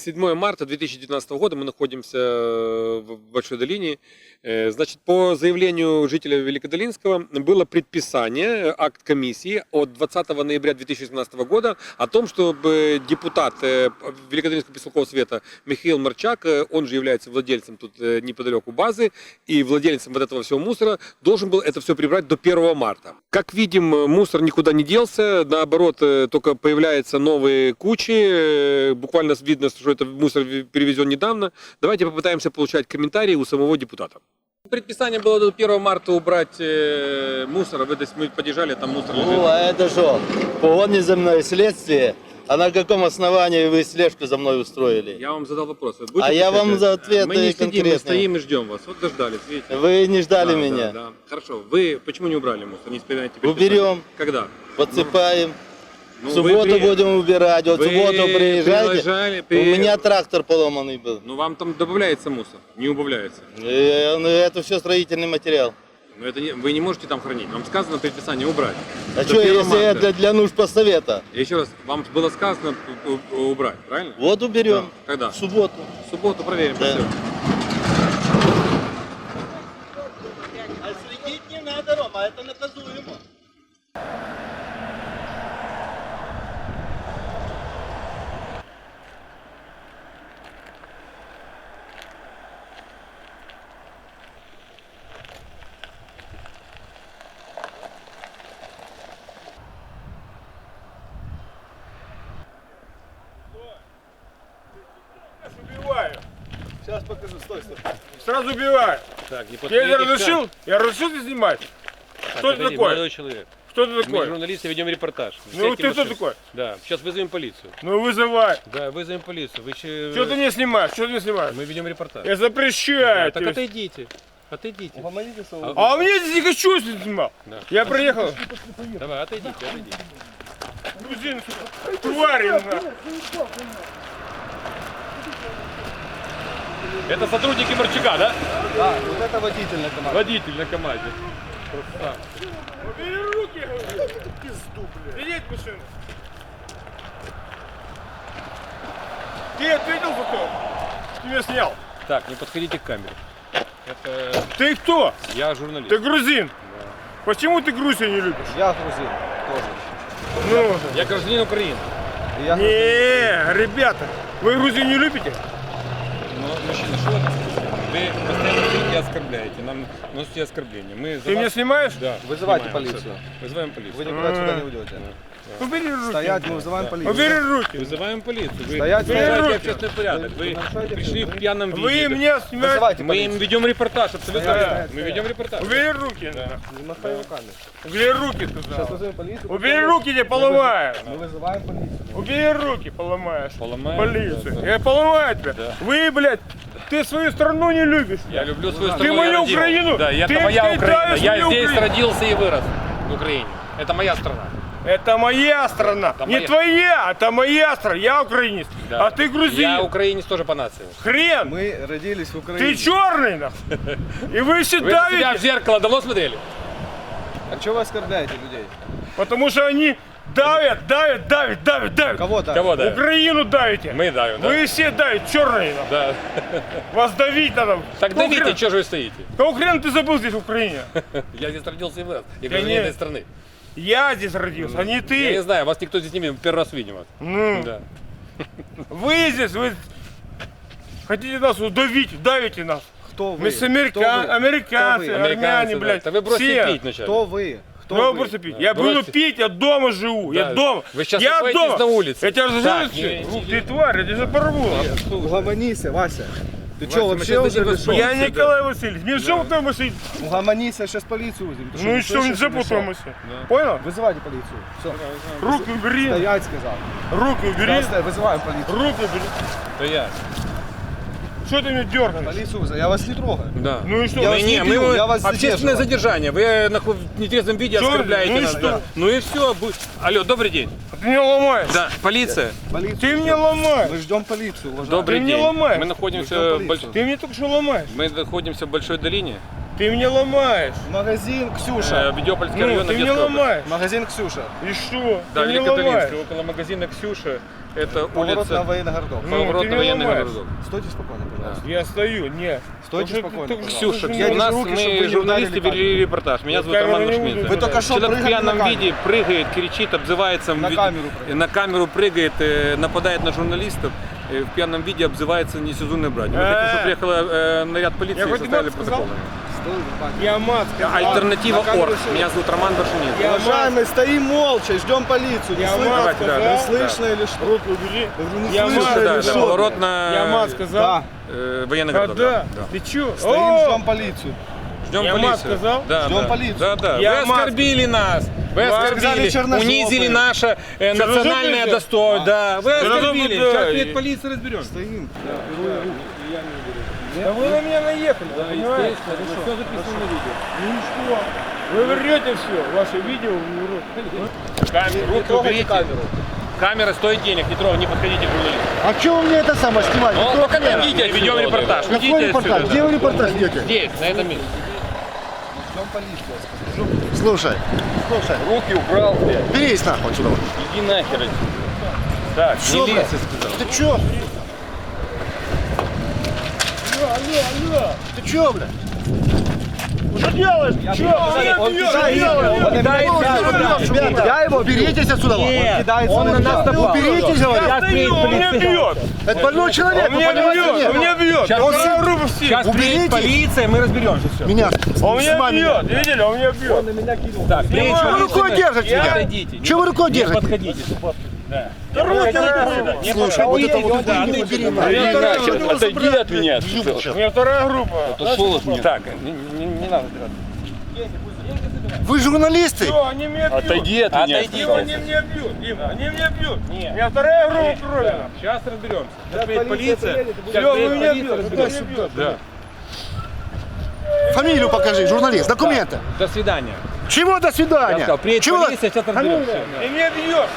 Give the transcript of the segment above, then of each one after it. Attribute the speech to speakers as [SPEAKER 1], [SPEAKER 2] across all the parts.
[SPEAKER 1] 7 марта 2019 года, мы находимся в Большой Долине. Значит, по заявлению жителя Великодолинского было предписание, акт комиссии от 20 ноября 2017 года о том, чтобы депутат Великодолинского поселкового совета Михаил Марчак, он же является владельцем тут неподалеку базы и владельцем вот этого всего мусора, должен был это все прибрать до 1 марта. Как видим, мусор никуда не делся, наоборот, только появляются новые кучи, буквально видно, что это мусор перевезен недавно. Давайте попытаемся получать комментарии у самого депутата. Предписание было до 1 марта убрать мусор, вы мы подъезжали, там мусор лежит.
[SPEAKER 2] Ну, а это что? Погони за мной следствие? А на каком основании вы слежку за мной устроили?
[SPEAKER 1] Я вам задал вопрос.
[SPEAKER 2] А я вам за ответы
[SPEAKER 1] мы не сидим,
[SPEAKER 2] конкретные.
[SPEAKER 1] мы стоим и ждем вас. Вот дождались, видите?
[SPEAKER 2] Вы не ждали
[SPEAKER 1] Да,
[SPEAKER 2] меня?
[SPEAKER 1] да. Хорошо. Вы почему не убрали мусор? Не исполняете предписание?
[SPEAKER 2] Уберем.
[SPEAKER 1] Когда?
[SPEAKER 2] Подсыпаем.
[SPEAKER 1] Ну,
[SPEAKER 2] в субботу будем убирать. Вот в субботу приезжайте. У меня трактор поломанный был.
[SPEAKER 1] Ну вам там добавляется мусор, не убавляется.
[SPEAKER 2] Ну, это все строительный материал.
[SPEAKER 1] Но это не, вы не можете там хранить. Вам сказано предписание убрать.
[SPEAKER 2] А
[SPEAKER 1] До
[SPEAKER 2] что,
[SPEAKER 1] 1
[SPEAKER 2] если
[SPEAKER 1] марта.
[SPEAKER 2] это для нужд постсовета?
[SPEAKER 1] Еще раз, вам было сказано убрать, правильно?
[SPEAKER 2] Вот уберем.
[SPEAKER 1] Да. Когда?
[SPEAKER 2] В субботу.
[SPEAKER 1] В субботу проверим.
[SPEAKER 2] Да.
[SPEAKER 1] Все.
[SPEAKER 2] А следить не надо, Рома, это наказуемо.
[SPEAKER 3] Убиваю.
[SPEAKER 2] Сейчас покажу, стой.
[SPEAKER 3] Сразу убиваю.
[SPEAKER 1] Так, не
[SPEAKER 3] Я это разрешил? Я разрешил ты снимать? Кто ты такой?
[SPEAKER 1] Молодой человек.
[SPEAKER 3] Кто ты
[SPEAKER 1] Мы
[SPEAKER 3] такой?
[SPEAKER 1] журналисты ведем репортаж.
[SPEAKER 3] Ну
[SPEAKER 1] Сядьте
[SPEAKER 3] ты
[SPEAKER 1] в
[SPEAKER 3] кто
[SPEAKER 1] машину.
[SPEAKER 3] такой?
[SPEAKER 1] Да, сейчас вызовем полицию.
[SPEAKER 3] Ну вызывай.
[SPEAKER 1] Да, вызовем полицию. Вы
[SPEAKER 3] Что ты не снимаешь? Что ты не снимаешь?
[SPEAKER 1] Мы ведем репортаж.
[SPEAKER 3] Я запрещаю.
[SPEAKER 1] Так
[SPEAKER 3] тебе.
[SPEAKER 1] отойдите. Отойдите.
[SPEAKER 3] А мне здесь не хочу, если ты снимал.
[SPEAKER 1] Да.
[SPEAKER 3] Я приехал.
[SPEAKER 1] Давай, отойдите.
[SPEAKER 3] Грузин, твари.
[SPEAKER 1] Это сотрудники Марчака, да?
[SPEAKER 2] Да, вот это водитель на команде.
[SPEAKER 1] Водитель на команде.
[SPEAKER 3] Убери руки. Пизду, блядь. Сидеть в машину. Ты ответил за то? Ты меня снял.
[SPEAKER 1] Так, не подходите к камере. Это
[SPEAKER 3] Ты кто?
[SPEAKER 1] я журналист.
[SPEAKER 3] Ты грузин. Почему ты Грузию не любишь?
[SPEAKER 2] Я грузин тоже.
[SPEAKER 3] Ну,
[SPEAKER 1] Я гражданин Украины.
[SPEAKER 3] не, ребята, вы Грузию не любите?
[SPEAKER 1] Но, мужчина, что это? Вы постоянно говорите и оскорбляете. Нам носите оскорбления. Мы за
[SPEAKER 3] Ты меня
[SPEAKER 1] вас-
[SPEAKER 3] снимаешь?
[SPEAKER 1] Да.
[SPEAKER 2] Вызывайте
[SPEAKER 1] снимаем
[SPEAKER 2] полицию.
[SPEAKER 1] абсолютно. Вызываем полицию.
[SPEAKER 2] Вы никуда отсюда не уйдете.
[SPEAKER 3] Убери руки.
[SPEAKER 2] Стоять, мы вызываем полицию.
[SPEAKER 3] Убери руки.
[SPEAKER 1] Вызываем полицию. Вы
[SPEAKER 2] Стоять,
[SPEAKER 1] нарушаете
[SPEAKER 3] руки.
[SPEAKER 1] общественный порядок. Вы
[SPEAKER 2] нарушаете
[SPEAKER 1] пришли в пьяном виде.
[SPEAKER 3] Вы меня снимаете.
[SPEAKER 2] Вызывайте
[SPEAKER 1] Мы им
[SPEAKER 2] полицию.
[SPEAKER 1] ведем репортаж, абсолютно
[SPEAKER 3] Стоять,
[SPEAKER 1] верно. Мы ведем репортаж.
[SPEAKER 3] Убери руки.
[SPEAKER 2] Не махай руками.
[SPEAKER 3] Убери руки
[SPEAKER 2] Сейчас
[SPEAKER 3] туда.
[SPEAKER 2] вызовем полицию.
[SPEAKER 3] Убери руки, я поломаю.
[SPEAKER 2] Мы вызываем полицию.
[SPEAKER 3] Убери руки, поломаешь.
[SPEAKER 1] Поломаем,
[SPEAKER 3] Полицию.
[SPEAKER 1] да, да.
[SPEAKER 3] Я поломаю тебя.
[SPEAKER 1] Да.
[SPEAKER 3] Вы, блядь, ты свою страну не любишь.
[SPEAKER 1] Я люблю свою
[SPEAKER 3] Ты
[SPEAKER 1] страну.
[SPEAKER 3] мою
[SPEAKER 1] я родил.
[SPEAKER 3] Украину.
[SPEAKER 1] Да, это
[SPEAKER 3] Ты
[SPEAKER 1] моя Украина.
[SPEAKER 3] кидаешь
[SPEAKER 1] Я
[SPEAKER 3] мою
[SPEAKER 1] здесь
[SPEAKER 3] Украину.
[SPEAKER 1] родился и вырос в Украине. Это моя страна.
[SPEAKER 3] Это моя страна.
[SPEAKER 1] Это
[SPEAKER 3] Не
[SPEAKER 1] моя.
[SPEAKER 3] твоя, это моя страна. Я украинец.
[SPEAKER 1] Да.
[SPEAKER 3] А ты грузин.
[SPEAKER 1] Я украинец тоже по нации.
[SPEAKER 3] Хрен.
[SPEAKER 2] Мы родились в Украине.
[SPEAKER 3] Ты черный, нахуй. И вы все
[SPEAKER 1] Вы на себя в
[SPEAKER 3] давите,
[SPEAKER 1] зеркало давно смотрели?
[SPEAKER 2] А что вы оскорбляете людей?
[SPEAKER 3] потому что они давят.
[SPEAKER 2] Кого там?
[SPEAKER 1] Кого да?
[SPEAKER 3] Украину давите.
[SPEAKER 1] Мы давим, да?
[SPEAKER 3] Вы все давите, черные. нахуй.
[SPEAKER 1] Да.
[SPEAKER 3] Вас давить надо.
[SPEAKER 1] Так
[SPEAKER 3] Какого
[SPEAKER 1] давите,
[SPEAKER 3] хрена-
[SPEAKER 1] что же вы стоите?
[SPEAKER 3] Какого хрена ты забыл здесь в Украине?
[SPEAKER 1] Я здесь родился и вырос. Я
[SPEAKER 3] Да
[SPEAKER 1] гражданин
[SPEAKER 3] нет.
[SPEAKER 1] этой страны.
[SPEAKER 3] Я здесь родился, а не
[SPEAKER 1] Я не
[SPEAKER 3] ты.
[SPEAKER 1] знаю, вас никто здесь не видел, первый раз видим вас.
[SPEAKER 3] Ну,
[SPEAKER 1] Да.
[SPEAKER 3] вы здесь, вы хотите нас удавить, давите нас.
[SPEAKER 2] Кто вы?
[SPEAKER 3] Мы с
[SPEAKER 2] Кто вы?
[SPEAKER 3] американцы,
[SPEAKER 2] Кто вы?
[SPEAKER 3] армяне,
[SPEAKER 1] да.
[SPEAKER 3] блядь.
[SPEAKER 1] Да вы бросьте
[SPEAKER 3] все.
[SPEAKER 1] пить вначале.
[SPEAKER 2] Кто вы? Кто
[SPEAKER 3] Ну,
[SPEAKER 2] вы?
[SPEAKER 3] просто пить.
[SPEAKER 1] Да.
[SPEAKER 3] Я буду
[SPEAKER 1] Бросьте.
[SPEAKER 3] пить, я дома живу,
[SPEAKER 1] Да.
[SPEAKER 3] я дома.
[SPEAKER 1] Вы сейчас
[SPEAKER 3] я
[SPEAKER 1] находитесь
[SPEAKER 3] дома.
[SPEAKER 1] на улице.
[SPEAKER 3] Я тебя
[SPEAKER 1] Так,
[SPEAKER 3] разжалую, ты тварь, я тебя запорву.
[SPEAKER 2] Угомонися, Вася. Ты
[SPEAKER 1] Вася,
[SPEAKER 2] что,
[SPEAKER 1] мы
[SPEAKER 2] вообще
[SPEAKER 1] сейчас
[SPEAKER 2] уже
[SPEAKER 1] дадим
[SPEAKER 2] без
[SPEAKER 1] вас
[SPEAKER 3] Я
[SPEAKER 1] Солнце,
[SPEAKER 3] Николай Васильевич, мне что в той машине?
[SPEAKER 2] Угомонися, сейчас полицию вызовем. Ты
[SPEAKER 3] Ну и
[SPEAKER 2] не
[SPEAKER 3] что, не
[SPEAKER 2] слышишь, или
[SPEAKER 3] запутал
[SPEAKER 2] что?
[SPEAKER 3] машину. Понял?
[SPEAKER 2] Вызывайте полицию. Все.
[SPEAKER 3] Руки убери,
[SPEAKER 2] Стоять, сказал.
[SPEAKER 3] руки убери,
[SPEAKER 2] Вызываем полицию.
[SPEAKER 3] руки убери.
[SPEAKER 1] Это я.
[SPEAKER 3] Что ты меня дергаешь?
[SPEAKER 2] Полицию вызываем. Я вас не трогаю.
[SPEAKER 1] Да.
[SPEAKER 3] Ну и что?
[SPEAKER 2] Я вас не бью, я вас
[SPEAKER 1] общественное задержание. Вы в нетрезвом виде
[SPEAKER 3] Что?
[SPEAKER 1] оскорбляете
[SPEAKER 3] Ну и
[SPEAKER 1] нас.
[SPEAKER 3] что?
[SPEAKER 1] Да. Ну и все. Алло, добрый день.
[SPEAKER 3] Ты меня ломаешь.
[SPEAKER 1] Да, полиция.
[SPEAKER 2] Полицию
[SPEAKER 3] Ты
[SPEAKER 2] ждем.
[SPEAKER 3] меня ломаешь.
[SPEAKER 2] Мы ждем полицию, уважаемый.
[SPEAKER 1] Добрый
[SPEAKER 3] Ты меня
[SPEAKER 1] день.
[SPEAKER 3] ломаешь.
[SPEAKER 1] Мы
[SPEAKER 2] Мы
[SPEAKER 1] находимся
[SPEAKER 2] ждем
[SPEAKER 1] в
[SPEAKER 2] полицию.
[SPEAKER 3] Ты меня только что ломаешь.
[SPEAKER 1] Мы находимся в Большой Долине.
[SPEAKER 3] Ты меня ломаешь.
[SPEAKER 2] Магазин Ксюша.
[SPEAKER 1] Видеопольский
[SPEAKER 3] Ну,
[SPEAKER 1] район
[SPEAKER 3] ты меня
[SPEAKER 1] Одесской области.
[SPEAKER 3] ломаешь.
[SPEAKER 2] Магазин Ксюша.
[SPEAKER 3] И что?
[SPEAKER 1] Да,
[SPEAKER 3] Ты меня ломаешь.
[SPEAKER 1] Великодолинский, около магазина Ксюша. Это
[SPEAKER 2] Поворот
[SPEAKER 1] улица...
[SPEAKER 2] на военный городок.
[SPEAKER 3] Ну,
[SPEAKER 1] Поворот
[SPEAKER 3] ты
[SPEAKER 1] на
[SPEAKER 3] не
[SPEAKER 1] военный
[SPEAKER 3] ломаешь.
[SPEAKER 1] городок.
[SPEAKER 2] Стойте спокойно, пожалуйста.
[SPEAKER 3] Я стою, не.
[SPEAKER 2] Стойте
[SPEAKER 3] Потому что
[SPEAKER 2] спокойно,
[SPEAKER 3] ты только
[SPEAKER 2] пожалуйста.
[SPEAKER 3] что
[SPEAKER 1] Ксюша,
[SPEAKER 3] мне
[SPEAKER 1] у нас
[SPEAKER 3] руки, чтобы
[SPEAKER 1] мы,
[SPEAKER 3] не
[SPEAKER 1] журналисты,
[SPEAKER 3] ударили
[SPEAKER 1] вели репортаж. Меня зовут
[SPEAKER 3] камеру
[SPEAKER 1] Роман
[SPEAKER 3] не
[SPEAKER 1] Башмидзе.
[SPEAKER 3] буду
[SPEAKER 2] Вы только что
[SPEAKER 1] Человек в
[SPEAKER 2] прыгали
[SPEAKER 1] пьяном
[SPEAKER 2] на камеру.
[SPEAKER 1] виде прыгает, кричит, обзывается.
[SPEAKER 2] На камеру прыгает.
[SPEAKER 1] На камеру прыгает, нападает на журналистов. В пьяном виде обзывается несезонной братьей. Мы хотим, чтобы приехал наряд полиции
[SPEAKER 3] Я
[SPEAKER 1] и
[SPEAKER 3] хоть
[SPEAKER 1] составили
[SPEAKER 3] мат сказал?
[SPEAKER 1] протокол.
[SPEAKER 3] Я мат сказал.
[SPEAKER 1] Альтернатива
[SPEAKER 2] На камеру
[SPEAKER 1] ОРГ.
[SPEAKER 2] шел.
[SPEAKER 1] Меня зовут Роман Башмидзе.
[SPEAKER 3] Я
[SPEAKER 2] Уважаемые, стоим молча, ждем полицию. Не
[SPEAKER 3] Я
[SPEAKER 2] слышно?
[SPEAKER 3] мат
[SPEAKER 1] Давайте, да,
[SPEAKER 3] сказал.
[SPEAKER 1] да.
[SPEAKER 2] Слышно или что?
[SPEAKER 3] Руку убери.
[SPEAKER 2] Не
[SPEAKER 3] Я
[SPEAKER 2] слышно
[SPEAKER 3] мат,
[SPEAKER 2] или
[SPEAKER 1] Да, да,
[SPEAKER 2] что?
[SPEAKER 1] поворот на
[SPEAKER 3] Я мат сказал.
[SPEAKER 2] Да.
[SPEAKER 1] военный городок.
[SPEAKER 3] Когда?
[SPEAKER 1] Да.
[SPEAKER 3] Ты чё?
[SPEAKER 2] Стоим,
[SPEAKER 3] О!
[SPEAKER 2] ждем полицию.
[SPEAKER 1] Ждем
[SPEAKER 3] Я
[SPEAKER 1] полицию.
[SPEAKER 3] мат сказал?
[SPEAKER 1] Да,
[SPEAKER 2] Ждем
[SPEAKER 1] да.
[SPEAKER 2] полицию.
[SPEAKER 1] Да, да.
[SPEAKER 3] Я
[SPEAKER 1] Вы
[SPEAKER 3] мат
[SPEAKER 1] оскорбили нас. Вы
[SPEAKER 3] Вы
[SPEAKER 2] сказали
[SPEAKER 1] оскорбили,
[SPEAKER 2] черножопые.
[SPEAKER 1] унизили наше национальное
[SPEAKER 3] Черножопые?
[SPEAKER 1] достоинство. Да, вы
[SPEAKER 3] Черножопые,
[SPEAKER 1] оскорбили.
[SPEAKER 3] да.
[SPEAKER 1] Сейчас приедет полиция, разберемся.
[SPEAKER 2] Стоим.
[SPEAKER 3] Да вы на меня наехали, понимаете?
[SPEAKER 1] Все записано на видео.
[SPEAKER 3] Ну и что? Вы врете все, ваше видео врут.
[SPEAKER 1] Камеру, руки уберите. Камера стоит денег, не трогайте, не подходите к журналисту.
[SPEAKER 4] А что вы мне это самое снимаете?
[SPEAKER 1] Ну, пока идите, ведем репортаж.
[SPEAKER 4] Какой
[SPEAKER 1] Идите
[SPEAKER 4] репортаж?
[SPEAKER 1] отсюда.
[SPEAKER 4] Где вы репортаж идете?
[SPEAKER 1] Здесь, на этом месте.
[SPEAKER 2] Ждем полицию.
[SPEAKER 4] Слушай,
[SPEAKER 1] Руки убрал, блядь.
[SPEAKER 4] берись нахуй отсюда.
[SPEAKER 1] Иди нахер. Так,
[SPEAKER 4] Что, блядь?
[SPEAKER 1] милиция сказал.
[SPEAKER 4] Ты чё?
[SPEAKER 3] Алло!
[SPEAKER 4] Ты чё, блядь?
[SPEAKER 3] Что делаешь? Чё?
[SPEAKER 4] Ребята, я его уберитесь отсюда.
[SPEAKER 1] Он на нас напал.
[SPEAKER 4] Уберитесь, говорю.
[SPEAKER 3] Я стою, он меня бьет!
[SPEAKER 4] Это больной человек,
[SPEAKER 3] Он
[SPEAKER 4] вы
[SPEAKER 3] меня
[SPEAKER 4] понимаете,
[SPEAKER 3] бьет!
[SPEAKER 4] нет?
[SPEAKER 3] Он меня бьет!
[SPEAKER 1] Сейчас
[SPEAKER 3] Он
[SPEAKER 1] приедет-
[SPEAKER 3] меня руку всех!
[SPEAKER 1] Сейчас приедет
[SPEAKER 4] Уберите.
[SPEAKER 1] полиция, мы разберемся. Все.
[SPEAKER 4] Меня.
[SPEAKER 3] Он меня
[SPEAKER 4] снимай меня.
[SPEAKER 3] бьет! Видели? Он меня бьет!
[SPEAKER 1] Так, приедет
[SPEAKER 4] Вы
[SPEAKER 1] полиция,
[SPEAKER 4] рукой держите меня.
[SPEAKER 1] Отойдите.
[SPEAKER 4] Чего вы рукой
[SPEAKER 1] Не
[SPEAKER 4] держите?
[SPEAKER 1] подходите.
[SPEAKER 3] Руки разные!
[SPEAKER 4] Слушай, вот это вот
[SPEAKER 1] Да,
[SPEAKER 4] убери,
[SPEAKER 1] отойди.
[SPEAKER 4] убери нахуй.
[SPEAKER 5] Отойди от меня.
[SPEAKER 3] У меня вторая группа!
[SPEAKER 1] Так, не надо драться.
[SPEAKER 4] Вы журналисты?
[SPEAKER 3] Все, они меня бьют!
[SPEAKER 5] Отойди от меня.
[SPEAKER 1] Отойди.
[SPEAKER 3] Дима, они меня бьют! Дима, они меня бьют! У меня вторая группа крови!
[SPEAKER 1] Сейчас разберемся. Сейчас приедет полиция.
[SPEAKER 3] Все, вы меня бьете! Кто меня бьет?
[SPEAKER 1] Да.
[SPEAKER 4] Фамилию покажи, журналист, документы.
[SPEAKER 1] До свидания.
[SPEAKER 4] Чего до
[SPEAKER 1] Я
[SPEAKER 4] свидания?
[SPEAKER 1] сказал, приедет
[SPEAKER 4] Чего?
[SPEAKER 1] полиция, сейчас разберемся.
[SPEAKER 3] И меня бьет!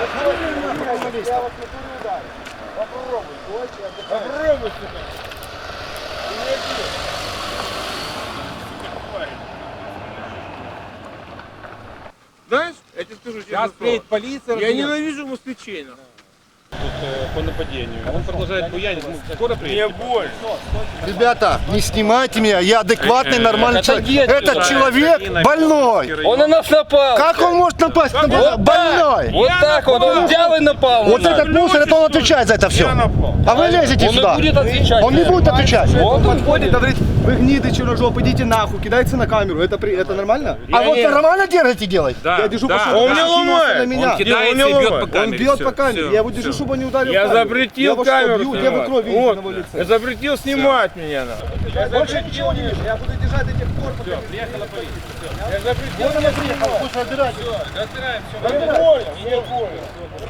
[SPEAKER 3] Попробуй, сука! Знаешь, я тебе скажу
[SPEAKER 1] Сейчас
[SPEAKER 3] честно
[SPEAKER 1] приедет
[SPEAKER 3] слово.
[SPEAKER 1] полиция.
[SPEAKER 3] Я
[SPEAKER 1] разберемся.
[SPEAKER 3] ненавижу москвичей. нахуй.
[SPEAKER 1] По нападению. Он продолжает буянить. Скоро
[SPEAKER 3] Мне
[SPEAKER 1] приедет.
[SPEAKER 3] больно.
[SPEAKER 4] Ребята, не снимайте меня, я адекватный, нормальный человек.
[SPEAKER 5] отойди отсюда.
[SPEAKER 4] Этот человек больной.
[SPEAKER 5] Он на нас напал.
[SPEAKER 4] Как он может напасть на
[SPEAKER 5] Вот
[SPEAKER 4] больной?
[SPEAKER 5] Вот так вот, он взял и напал на
[SPEAKER 4] Вот
[SPEAKER 5] нас.
[SPEAKER 4] этот мусор, это он отвечает за это все.
[SPEAKER 3] Я напал.
[SPEAKER 4] А вы лезете
[SPEAKER 5] Он не
[SPEAKER 4] сюда.
[SPEAKER 5] будет отвечать.
[SPEAKER 4] Он не будет отвечать.
[SPEAKER 5] Он
[SPEAKER 2] Подходит, говорит, вы гниды, черножоп, идите нахуй, кидается на камеру. Это нормально?
[SPEAKER 4] А вот нормально держите делать?
[SPEAKER 1] Да,
[SPEAKER 2] Я держу
[SPEAKER 1] да.
[SPEAKER 2] по шубе.
[SPEAKER 3] Он меня ломает.
[SPEAKER 2] На меня.
[SPEAKER 1] Он кидается
[SPEAKER 3] не
[SPEAKER 1] и бьет
[SPEAKER 3] ломает.
[SPEAKER 1] по
[SPEAKER 2] Он
[SPEAKER 1] камере.
[SPEAKER 2] бьет
[SPEAKER 1] Всё,
[SPEAKER 2] по камере.
[SPEAKER 1] всё,
[SPEAKER 2] Я его держу,
[SPEAKER 1] всё.
[SPEAKER 2] чтобы он не ударил.
[SPEAKER 3] Я
[SPEAKER 2] камеру.
[SPEAKER 3] запретил
[SPEAKER 2] Я вас что,
[SPEAKER 3] камеру
[SPEAKER 2] бью? Где вы
[SPEAKER 3] снимать.
[SPEAKER 2] кровь видите
[SPEAKER 3] Вот.
[SPEAKER 2] на его лице?
[SPEAKER 3] Я запретил снимать меня. нахуй.
[SPEAKER 2] Больше ничего не вижу. Я буду держать до тех пор, пока...
[SPEAKER 3] Я запретил меня снимать.
[SPEAKER 4] Слушай, разбирайте.
[SPEAKER 3] Мне больно, мне больно.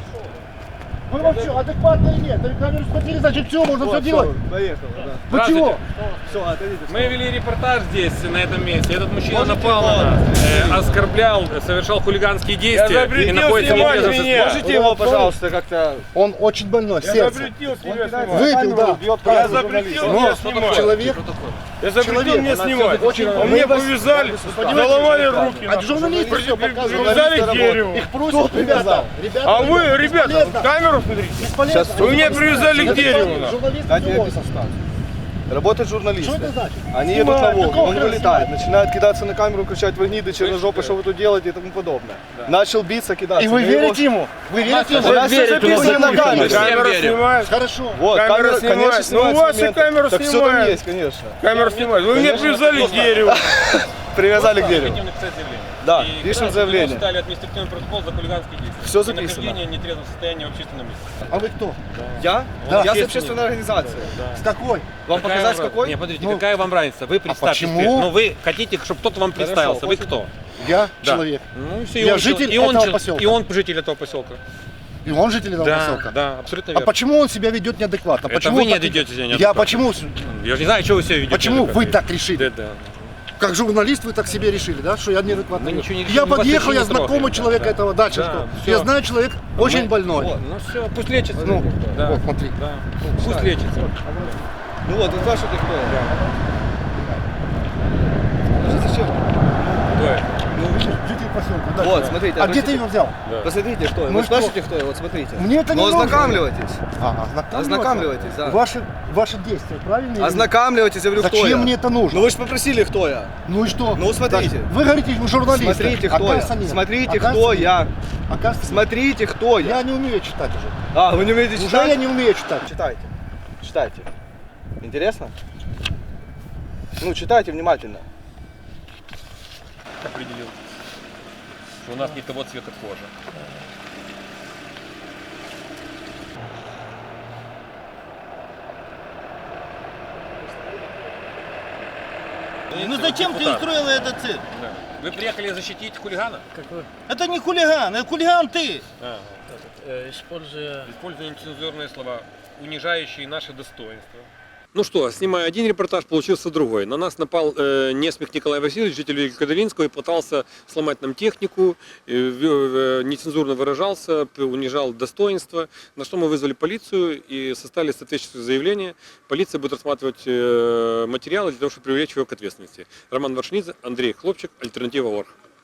[SPEAKER 4] Вы вообще адекватно или нет? Камеру схватили, значит все, можно все делать.
[SPEAKER 2] Поехали, да.
[SPEAKER 4] Вы чего?
[SPEAKER 2] Все, отойдите.
[SPEAKER 1] Мы вели репортаж здесь, на этом месте. Этот мужчина напал на нас, оскорблял, совершал хулиганские действия
[SPEAKER 3] запретил
[SPEAKER 1] и находится в
[SPEAKER 3] снимать
[SPEAKER 1] неизвестном
[SPEAKER 3] меня.
[SPEAKER 1] состоянии.
[SPEAKER 2] Можете его, пожалуйста, как-то...
[SPEAKER 4] Он очень больной,
[SPEAKER 3] Я
[SPEAKER 4] сердце.
[SPEAKER 3] запретил себя снимать.
[SPEAKER 4] Выпил, да.
[SPEAKER 3] Я запретил меня снимать.
[SPEAKER 4] Человек.
[SPEAKER 3] Я запретил
[SPEAKER 4] человек,
[SPEAKER 3] мне
[SPEAKER 4] она
[SPEAKER 3] снимать.
[SPEAKER 4] очень-
[SPEAKER 3] А мне повязали, заломали руки.
[SPEAKER 4] А журналисты все показывают.
[SPEAKER 3] Привязали к дереву.
[SPEAKER 4] Их просят, ребята.
[SPEAKER 3] А вы, ребята, камеру смотрите.
[SPEAKER 4] Сейчас
[SPEAKER 3] Вы меня привязали к дереву. нахуй.
[SPEAKER 4] Журналисты
[SPEAKER 2] Дайте я
[SPEAKER 4] все.
[SPEAKER 2] описал статус. Работают журналисты.
[SPEAKER 4] Что это значит?
[SPEAKER 2] Они
[SPEAKER 4] Снимают.
[SPEAKER 2] едут на Волгу,
[SPEAKER 4] Какого
[SPEAKER 2] он
[SPEAKER 4] хрена
[SPEAKER 2] вылетает, начинает кидаться на камеру, кричать «Вы гниды, черножопы, что вы тут делаете» и тому подобное. Начал биться, кидаться.
[SPEAKER 4] И вы
[SPEAKER 2] Мы его-
[SPEAKER 4] верите ему? Вы верите ему?
[SPEAKER 2] У нас все
[SPEAKER 5] верит, у нас
[SPEAKER 2] записано на
[SPEAKER 5] записано.
[SPEAKER 2] камере.
[SPEAKER 3] Камера
[SPEAKER 1] верим.
[SPEAKER 3] снимает.
[SPEAKER 4] Хорошо.
[SPEAKER 2] Вот,
[SPEAKER 3] Камера
[SPEAKER 2] камера,
[SPEAKER 3] снимает.
[SPEAKER 2] конечно,
[SPEAKER 3] Ну,
[SPEAKER 2] снимает
[SPEAKER 3] у вас и
[SPEAKER 2] моменты.
[SPEAKER 3] камера
[SPEAKER 2] Так все там
[SPEAKER 3] снимает.
[SPEAKER 2] есть, конечно.
[SPEAKER 3] Камера снимает. Вы меня привязали к дереву.
[SPEAKER 2] Привязали к дереву.
[SPEAKER 1] Хотим написать заявление.
[SPEAKER 2] Да,
[SPEAKER 1] И
[SPEAKER 2] пишем
[SPEAKER 1] когда
[SPEAKER 2] заявление.
[SPEAKER 1] Составили административный протокол за хулиганские действия.
[SPEAKER 2] Всё
[SPEAKER 1] И
[SPEAKER 2] записано.
[SPEAKER 1] нахождение в нетрезвом состоянии в общественном месте.
[SPEAKER 4] А вы кто?
[SPEAKER 2] Я?
[SPEAKER 4] Да.
[SPEAKER 2] Я с общественной организации.
[SPEAKER 4] С какой?
[SPEAKER 2] Вам
[SPEAKER 1] Какая
[SPEAKER 2] показать
[SPEAKER 1] вам-
[SPEAKER 2] какой?
[SPEAKER 1] Не, подождите, какая вам разница? Вы представьтесь.
[SPEAKER 4] почему?
[SPEAKER 1] Ну вы хотите, чтобы кто-то вам представился. Вы кто?
[SPEAKER 4] Я
[SPEAKER 1] Да.
[SPEAKER 4] человек.
[SPEAKER 1] Ну, все,
[SPEAKER 4] Я житель этого поселка.
[SPEAKER 1] И он житель этого поселка.
[SPEAKER 4] И он житель этого поселка.
[SPEAKER 1] Да, абсолютно
[SPEAKER 4] А
[SPEAKER 1] верно.
[SPEAKER 4] почему он себя ведет неадекватно?
[SPEAKER 1] Это
[SPEAKER 4] Почему
[SPEAKER 1] вы не
[SPEAKER 4] так-
[SPEAKER 1] ведете себя
[SPEAKER 4] Я
[SPEAKER 1] неадекватно.
[SPEAKER 4] почему?
[SPEAKER 1] Я же не знаю, что вы себя ведете.
[SPEAKER 4] Почему вы
[SPEAKER 1] неадекватно.
[SPEAKER 4] так решили?
[SPEAKER 1] Да.
[SPEAKER 4] Как журналист вы так себе решили, да? Что я неадекватно.
[SPEAKER 1] Мы ничего не решили,
[SPEAKER 4] Я
[SPEAKER 1] мы вас
[SPEAKER 4] подъехал,
[SPEAKER 1] ничего
[SPEAKER 4] я
[SPEAKER 1] не трогаем,
[SPEAKER 4] знакомый
[SPEAKER 1] да,
[SPEAKER 4] человека
[SPEAKER 1] да.
[SPEAKER 4] этого. Дальше
[SPEAKER 1] Да,
[SPEAKER 4] что?
[SPEAKER 1] всё.
[SPEAKER 4] Я знаю, человек очень больной.
[SPEAKER 1] Ну все, пусть лечится.
[SPEAKER 4] Ну,
[SPEAKER 1] да.
[SPEAKER 4] вот, смотри.
[SPEAKER 1] Да. Пусть лечится.
[SPEAKER 2] Ну вот, это что ты кто? Зачем?
[SPEAKER 1] Кто это?
[SPEAKER 4] Ну, житель поселка. съемку? Дай
[SPEAKER 6] Вот,
[SPEAKER 4] сюда.
[SPEAKER 6] смотрите,
[SPEAKER 4] А где ты
[SPEAKER 6] обратите-
[SPEAKER 4] его взял?
[SPEAKER 6] Посмотрите, кто я.
[SPEAKER 4] Ну
[SPEAKER 6] Вы
[SPEAKER 4] что?
[SPEAKER 6] спрашиваете, кто я? Вот смотрите.
[SPEAKER 4] Мне это не
[SPEAKER 6] Ну,
[SPEAKER 4] нужно.
[SPEAKER 6] ознакомливайтесь.
[SPEAKER 4] Ознакомливаться?
[SPEAKER 6] Ознакомливайтесь, да.
[SPEAKER 4] Ваши действия, правильно? или нет?
[SPEAKER 6] Ознакомливайтесь, я говорю, кто я.
[SPEAKER 4] Зачем мне это нужно?
[SPEAKER 6] Ну вы же попросили, кто я.
[SPEAKER 4] Ну и что?
[SPEAKER 6] Ну, смотрите.
[SPEAKER 4] Даже- Вы говорите, вы журналисты.
[SPEAKER 6] Смотрите, кто
[SPEAKER 4] Оказывается,
[SPEAKER 6] я.
[SPEAKER 4] нет.
[SPEAKER 6] Смотрите,
[SPEAKER 4] Оказывается,
[SPEAKER 6] кто
[SPEAKER 4] нет.
[SPEAKER 6] я.
[SPEAKER 4] Оказывается, нет.
[SPEAKER 6] Смотрите, кто я.
[SPEAKER 4] Я не умею читать уже.
[SPEAKER 6] А, вы не умеете
[SPEAKER 4] Уже
[SPEAKER 6] читать?
[SPEAKER 4] я не умею читать.
[SPEAKER 6] Читайте. Читайте. Интересно? Ну, читайте внимательно.
[SPEAKER 1] Определил, что у нас не того цвета кожи.
[SPEAKER 2] Ну зачем ты устроила этот цирк?
[SPEAKER 1] Да. Вы приехали защитить хулигана?
[SPEAKER 2] Это не хулиган, это хулиган ты.
[SPEAKER 1] Используя нецензурные слова, унижающие наше достоинство. Ну что, снимая один репортаж, получился другой. На нас напал Несмех Николай Васильевич, житель Великокадаринского, и пытался сломать нам технику, нецензурно выражался, унижал достоинство, на что мы вызвали полицию и составили соответствующее заявление. Полиция будет рассматривать материалы для того, чтобы привлечь его к ответственности. Роман Варшинидзе, Андрей Хлопчик, Альтернатива.орг.